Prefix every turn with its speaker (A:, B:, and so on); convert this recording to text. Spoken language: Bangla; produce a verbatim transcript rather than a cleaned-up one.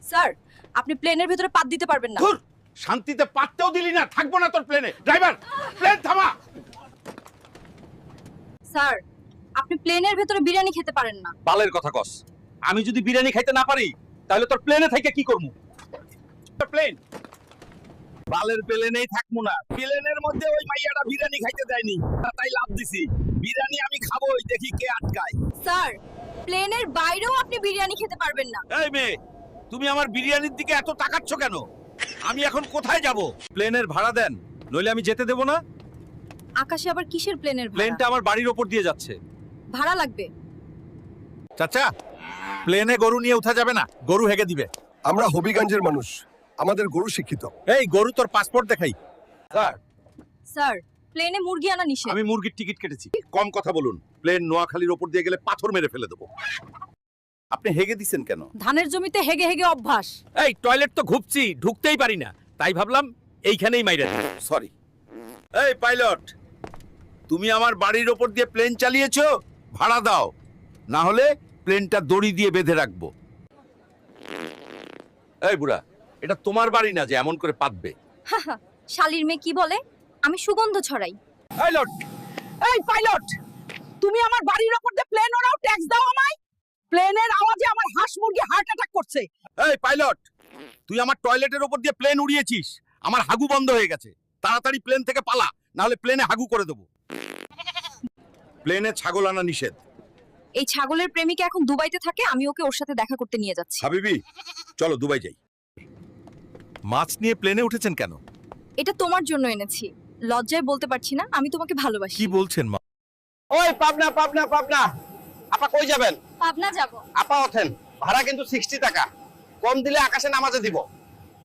A: স্যার আপনি প্লেনের ভিতরে পাত দিতে পারবেন না।
B: ধুর, শান্তিতে পাততেও দিলি না, থাকবো না তোর প্লেনে। ড্রাইভার, প্লেন থামা।
A: স্যার আপনি প্লেনের ভিতরে বিরিয়ানি খেতে পারেন না।
C: বালের কথা কস। আমি যদি বিরিয়ানি খাইতে না পারি তাহলে তোর প্লেনে থেকে কি করবো?
B: প্লেন
C: বালের প্লেনেই থাকবো না। প্লেনের মধ্যে ওই মাইয়াটা বিরিয়ানি খাইতে দেয়নি, তাই লাভ দিছি। বিরিয়ানি আমি খাবোই, দেখি কে আটকায়।
A: স্যার প্লেনের বাইরেও আপনি বিরিয়ানি খেতে পারবেন না।
C: এই মেয়ে, তুমি আমার বিরিয়ানির দিকে এত তাকাচ্ছ কেন? আমি এখন কোথায় যাব? প্লেনের ভাড়া দেন, নইলে আমি যেতে দেব না।
A: আকাশে আবার কিসের প্লেনের ভাড়া?
C: প্লেনটা আমার বাড়ির ওপর দিয়ে যাচ্ছে।
A: ভাড়া লাগবে।
C: চাচা, প্লেনে গরু নিয়ে উঠা যাবে না, গরু হেগে দিবে।
D: আমরা হবিগঞ্জের মানুষ, আমাদের গরু শিক্ষিত।
C: এই গরু, তোর পাসপোর্ট দেখাই। স্যার,
A: স্যার প্লেনে মুরগি আনা নিষেধ।
C: আমি মুরগির টিকিট কেটেছি। কম কথা বলুন, প্লেন নোয়াখালীর ওপর দিয়ে গেলে পাথর মেরে ফেলে দেবো। আপনি হেগে দিছেন কেন?
A: ধানের জমিতে হেগে হেগে অভ্যাস।
C: এই টয়লেট তো ঘুপছি, ঢুকতেই পারি না, তাই ভাবলাম এইখানেই মাইরা দিই। সরি। এই পাইলট, তুমি আমার বাড়ির ওপর দিয়ে প্লেন চালিয়েছো, ভাড়া দাও, না হলে প্লেনটা দড়ি দিয়ে বেঁধে রাখবো। এই বুড়া, এটা তোমার বাড়ি না যে এমন করে পাতবে।
A: হাহা, শালির মেয়ে কি বলে? আমি সুগন্ধ ছড়াই।
C: পাইলট,
E: এই পাইলট, তুমি আমার বাড়ির ওপর দিয়ে প্লেন ওরাও ট্যাক্স দাও আমায়। প্লেনের আওয়াজে আমার হাঁস মুরগি হার্ট অ্যাটাক করছে।
C: এই পাইলট, তুই আমার টয়লেটের ওপর দিয়ে প্লেন উড়িয়েছিস, আমার হাগু বন্ধ হয়ে গেছে। তাড়াতাড়ি প্লেন থেকে পালা, না হলে প্লেনে হাগু করে দেবো। প্লেনে ছাগল আনা নিষেধ।
A: এই ছাগলের প্রেমিকা এখন দুবাইতে থাকে, আমি ওকে ওর সাথে দেখা করতে নিয়ে যাচ্ছি।
C: হাবিবি, চলো দুবাই যাই। মাছ নিয়ে প্লেনে উঠেছেন কেন?
A: এটা তোমার জন্য এনেছি। লজ্জায় বলতে পারছি না, আমি তোমাকে ভালোবাসি।
C: কি বলছেন মা?
F: ওই পাবনা পাবনা পাবনা, আপা কই যাবেন?
A: পাবনা যাব।
F: আপা ওঠেন, ভাড়া কিন্তু সিক্সটি টাকা, কম দিলে আকাশে নামাজে দিব।